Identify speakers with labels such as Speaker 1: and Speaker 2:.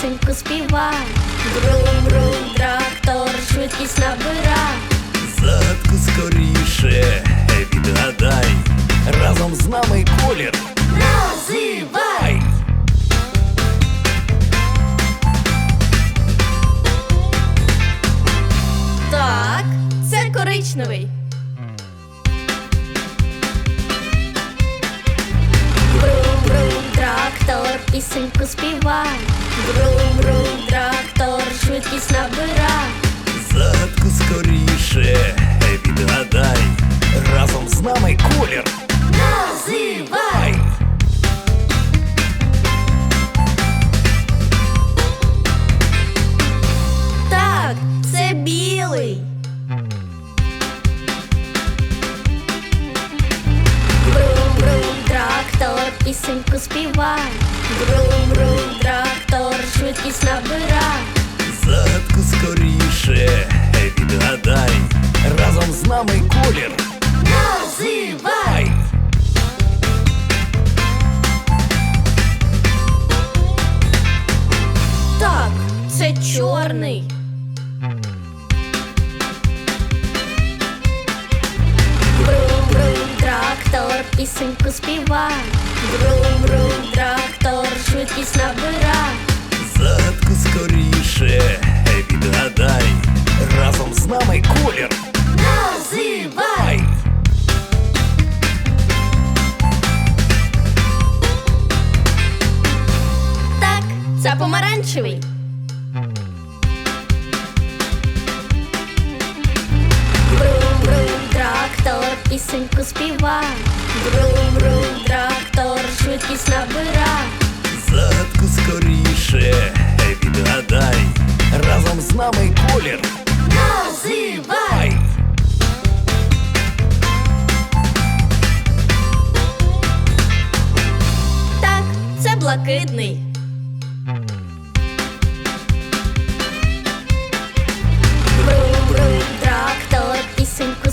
Speaker 1: пісеньку співай. Брум-брум, трактор, швидкість набира.
Speaker 2: Загадку скоріше відгадай, разом з нами колір
Speaker 1: Називай! Так, це коричневий. Брум-брум, трактор, пісеньку співай. Брум-брум, трактор, швидкість набира.
Speaker 2: Загадку скоріше відгадай, разом з нами колір
Speaker 1: Називай! Так, це білий. Брум-брум, трактор, пісеньку співай. Брум-брум, трактор, швидкість набира.
Speaker 2: Загадку скоріше відгадай, разом з нами колір
Speaker 1: Називай! Так, це чорний. Брум-брум, трактор, пісеньку співай. Брум-брум, трактор, швидкість набира.
Speaker 2: Загадку скоріше відгадай, разом з нами колір
Speaker 1: Називай! Так, це помаранчевий. Брум-брум, трактор, пісеньку співай. Брум-брум, трактор, швидкість набира.
Speaker 2: Загадку скоріше відгадай, разом з нами колір
Speaker 1: Називай! Так, це блакитний. Брум-брум, трактор, пісеньку